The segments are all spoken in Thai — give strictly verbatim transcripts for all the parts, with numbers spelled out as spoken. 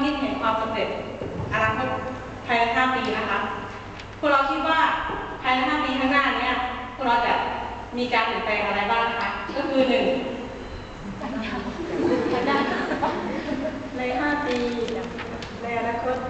คิดเห็นความสำเร็จอนาคตภายในห้าปีนะคะพวกเราคิดว่าภายในห้าปีข้างหน้านี้พวกเราจะมีการเปลี่ยนแปลงอะไรบ้างคะก็คือหนึ่งในห้าปีในอนาคต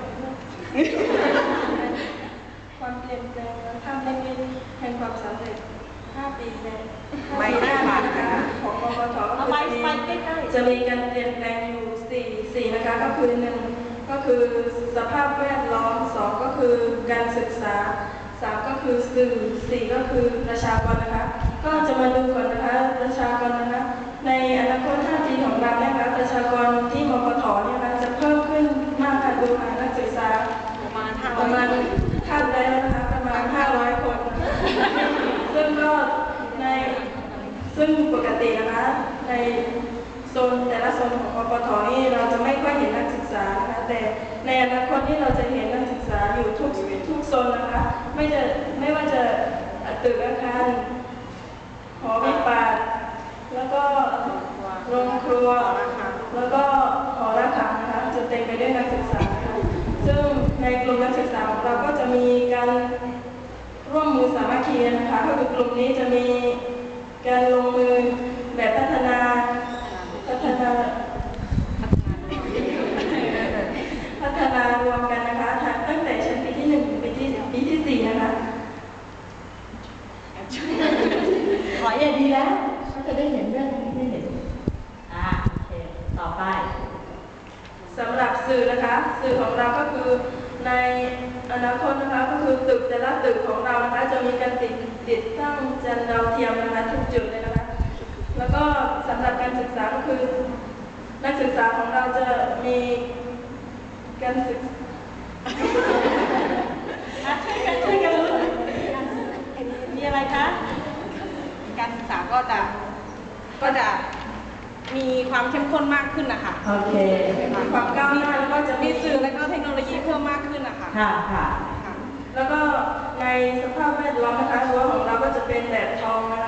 ความเปลี่ยนแปลงทำให้แห่งความสำเร็จห้าปีในไม่หน้านะคะของกกทก็คือจะมีการเปลี่ยนแปลงอยู่สี่สี่นะคะก็คือหนึ่งก็คือสภาพแวดล้อมสองก็คือการศึกษาสามก็คือสื่อสี่ก็คือประชากรนะคะก็จะมาดูก่อนนะคะประชากรนะคะในอนาคตห้าปีของเราเนี่ยนะคะประชากรที่มกทเนี่ยนะคะจะเพิ่มขึ้นมากค่ะดูค่ะนักศึกษาประมาณประมาณคาดได้แล้วนะคะประมาณห้าร้อยคนซึ่งก็ในซึ่งปกตินะคะในโซนแต่ละโซนของมกทนี่เราจะไม่ค่อยเห็นนักศึกษานะคะแต่ในอนาคตนี่เราจะเห็นนักศึกษาอยู่ทุกทุกโซนนะคะไม่จะไม่ว่าจะตึกอาคารหอวิปาสแล้วก็โรงครัวแล้วก็หอระฆังนะคะจะเต็มไปด้วยนักศึกษาซึ่งในกลุ่มนักศึกษาของเราก็จะมีการร่วมมือสามัคคีนะคะก็คือกลุ่มนี้จะมีการลงมือแบบพัฒนาพัฒนาพัฒนารวมกันนะคะตั้งแต่ชั้นปีที่หนึ่งถึงปีที่ปีที่สี่นะคะขออย่างดีแล้วเขาจะได้เห็นเรื่องนี้ได้เห็นอ่าโอเคต่อไปสำหรับสื่อนะคะสื่อของเราก็คือในอนาคตนะคะก็คือตึกแต่ละตึกของเรานะคะจะมีการติดติดตั้งจานดาวเทียมนะคะทุกจุดเลยนะคะแล้วก็สำหรับการศึกษาก็คือนักศึกษาของเราจะมีการศึกษาช่วยกันช่วยกันรู้มีอะไรคะการศึกษาก็จะก็จะมีความเข้มข้นมากขึ้นนะคะโอเคความก้าวหน้าแล้วก็จะมีสื่อและก็เทคโนโลยีเพิ่มมากขึ้นนะคะค่ะค่ะแล้วก็ในสภาพแวดล้อมนะคะรั้วของเราก็จะเป็นแบบทองนะคะ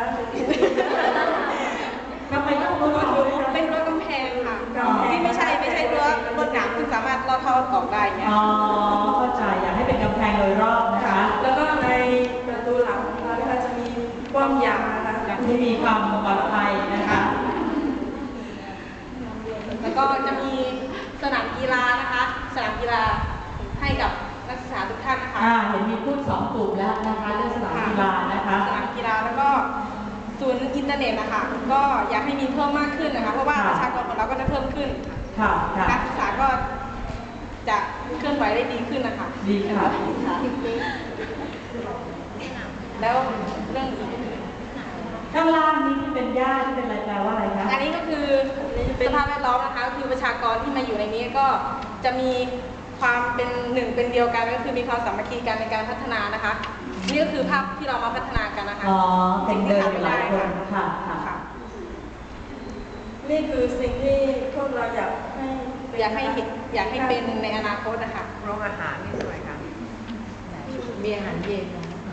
ก็เป็นรั้วเป็นรั้วกำแพงค่ะที่ไม่ใช่ไม่ใช่รั้วรวดหนามที่สามารถลอดท่อออกได้เนี่ยอ๋อเข้าใจอยากให้เป็นกำแพงโดยรอบนะคะแล้วก็ในประตูหลังของเรานะคะจะมีป้อมยามนะคะที่มีความปลอดภัยนะคะแล้วก็จะมีสนามกีฬานะคะสนามกีฬาให้กับนักศึกษาทุกท่านนะคะอ่าเห็นมีพูดสองกลุ่มแล้วนะคะเรื่องสนามกีฬานะคะสนามกีฬาแล้วก็ศูนย์อินเทอร์เน็ตนะคะก็อยากให้มีเพิ่มมากขึ้นนะคะเพราะว่าประชากรของเราก็จะเพิ่มขึ้นค่ะนักศึกษาก็จะเคลื่อนไหวได้ดีขึ้นนะคะดีค่ะแล้วเรื่องข้างล่างนี้ที่เป็นหญ้าที่เป็นอะไรแปลว่าอะไรคะอันนี้ก็คือสภาพแวดล้อมนะคะคือประชากรที่มาอยู่ในนี้ก็จะมีความเป็นหนึ่งเป็นเดียวกันก็คือมีความสามัคคีกันในการพัฒนานะคะนี่ก็คือภาพที่เรามาพัฒนากันนะคะอ๋อเป็นเดินอยู่หลายคนค่ะค่ะนี่คือสิ่งที่พวกเราอยากให้อยากให้เห็นอยากให้เป็นในอนาคตนะคะโรงอาหารนี่สวยค่ะมีอาหารเย็น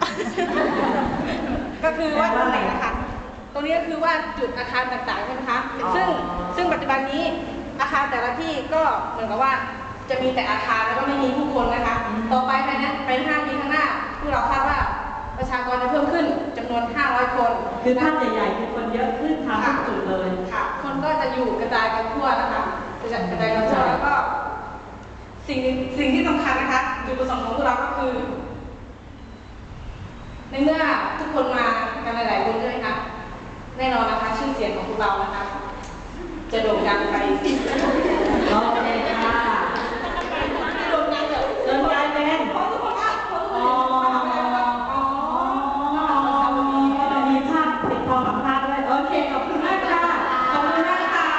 ก็คือว่าตรงไหนนะคะตรงนี้ก็คือว่าจุดอาคารต่างๆใช่ไหมคะซึ่งซึ่งปัจจุบันนี้อาคารแต่ละที่ก็เหมือนกับว่าจะมีแต่อาคารแล้วก็ไม่มีผู้คนนะคะต่อไปภายในภายในห้าปีข้างหน้าพวกเราคาดว่าประชากรจะเพิ่มขึ้นจำนวนห้าร้อยคนคือภาพใหญ่ๆคือคนเยอะขึ้นทางทุกจุดเลยค่ะคนก็จะอยู่กระจายกันทั่วนะคะกระจายกันทั่วแล้วก็สิ่งสิ่งที่สำคัญนะคะจุดประสงค์ของพวกเราก็คือในเมื่อทุกคนมากันหลายๆคนใช่ไหมคะแน่นอนนะคะชื่อเสียงของพวกเรานะคะจะโด่งดังไป